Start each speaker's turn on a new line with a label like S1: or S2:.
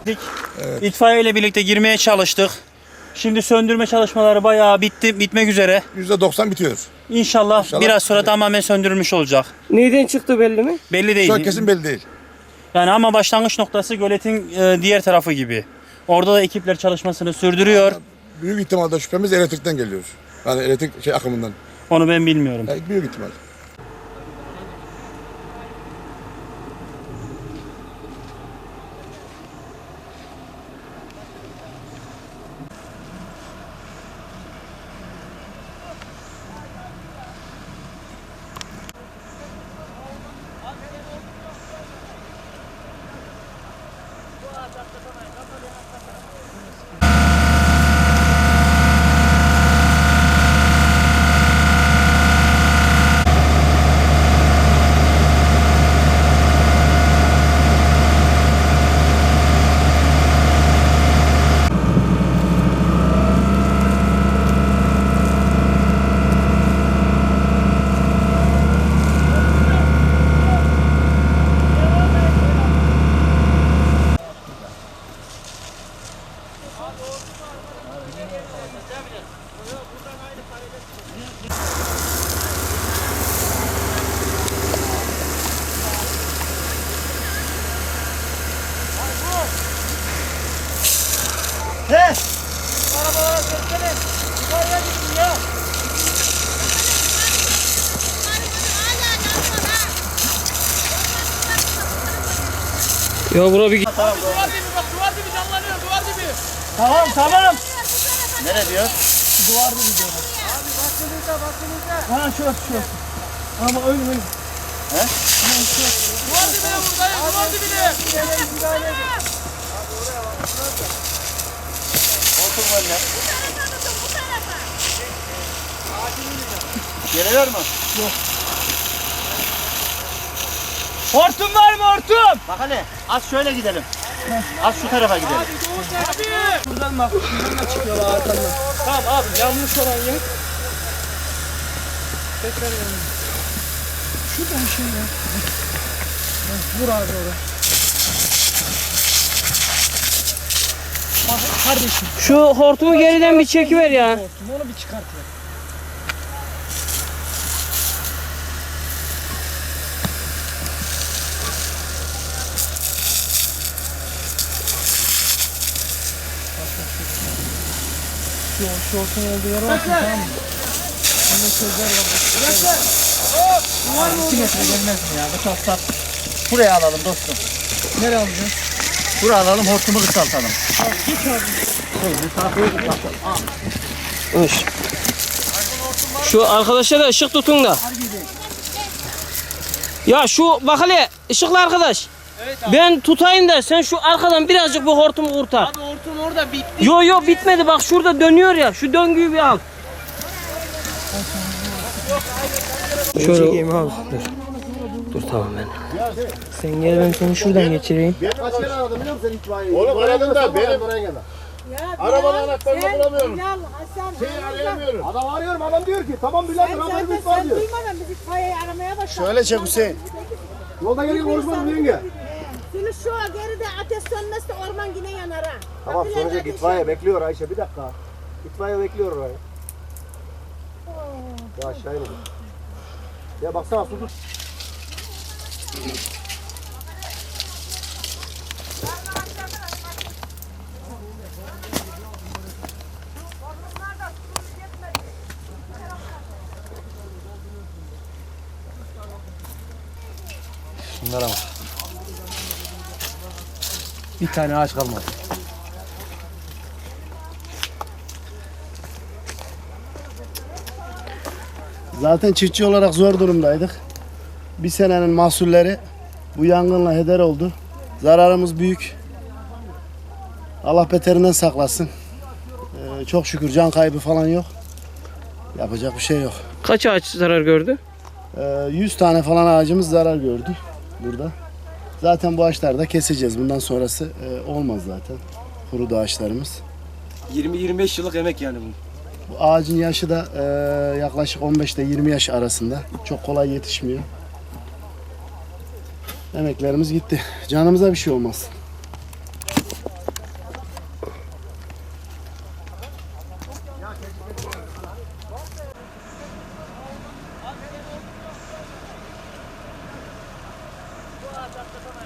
S1: Evet.
S2: İtfaiye ile birlikte girmeye çalıştık. Şimdi söndürme çalışmaları bayağı bitmek üzere.
S1: %90 bitiyor.
S2: İnşallah biraz sonra tamamen söndürülmüş olacak.
S3: Neyden çıktı belli mi?
S2: Belli değil.
S1: Şu an kesin belli değil.
S2: Yani ama başlangıç noktası göletin diğer tarafı gibi. Orada da ekipler çalışmasını sürdürüyor.
S1: Büyük ihtimalle şüphemiz elektrikten geliyor. Yani elektrik akımından.
S2: Onu ben bilmiyorum.
S1: Yani büyük ihtimal.
S3: Ya bura bir
S4: Duvar dibi canlanıyor, duvar dibi.
S2: Tamam.
S4: Nere diyor?
S2: Duvar dibi diyor.
S4: Abi bakınızda.
S2: Ha şu. Ama öyle.
S4: Duvar dibine buradayım, duvar dibine. Otur böyle. Geliyor mu?
S2: Hortum var mı hortum?
S4: Bak hele, az şöyle gidelim. Az şu tarafa gidelim.
S2: Buradan bak. Buradan da çıkıyorlar arkandan. Tamam abi yanlış olan yer. Tekrar yanlış. Şurada bir şey ya. Vur abi oraya. Bak kardeşim.
S3: şu hortumu geriden bir çekiver ya.
S2: Onu bir çıkart ya. Şu hortumun olduğu yere bakın, tamam mı? Bunda sözler var. 2 metre gelmez mi ya? Bu taslat.
S4: Buraya alalım dostum.
S2: Nereye alacağız?
S4: Buraya alalım, hortumu kısaltalım.
S2: Git abi.
S3: Şu arkadaşa da ışık tutun da. Ya şu bak hele ışıklı arkadaş.
S2: Evet abi.
S3: Ben tutayım da sen şu arkadan birazcık bu hortumu kurtar.
S2: Abi hortum orada bitti.
S3: Yo bitmedi, bak şurada dönüyor ya, şu döngüyü bir al. Şöyle çekeyim abi. Dur tamam ben. Sen gel, ben seni şuradan geçireyim.
S5: Kaç kere aradım biliyor musun itfaiyeyi? Oğlum aradım da benim arabanın anahtarını bulamıyorum. Şeyi arayamıyorum. Adam arıyorum, adam diyor ki tamam birader haberimiz var diyor.
S6: Duymadan biz itfaiyeyi aramaya başladık.
S5: Şöyle çek Hüseyin. Yolda gelirken konuşmadım yenge.
S6: Şimdi şu geride ateş sönmezse orman yine yanar ha.
S5: Tamam sönecek itfaiye bekliyor Ayşe bir dakika. İtfaiye bekliyor orayı. Ya aşağı inelim. Ya baksana su tut.
S4: Bunlara bak.
S2: Bir tane ağaç kalmadı.
S5: Zaten çiftçi olarak zor durumdaydık. Bir senenin mahsulleri bu yangınla heder oldu. Zararımız büyük. Allah beterinden saklasın. Çok şükür can kaybı falan yok. Yapacak bir şey yok.
S3: Kaç ağaç zarar gördü?
S5: 100 tane falan ağacımız zarar gördü burada. Zaten bu ağaçları da keseceğiz. Bundan sonrası olmaz zaten. Kurudu ağaçlarımız.
S2: 20-25 yıllık emek yani bu.
S5: Bu ağacın yaşı da yaklaşık 15 ile 20 yaş arasında. Çok kolay yetişmiyor. Emeklerimiz gitti. Canımıza bir şey olmaz.
S4: Bu ağaç atlasana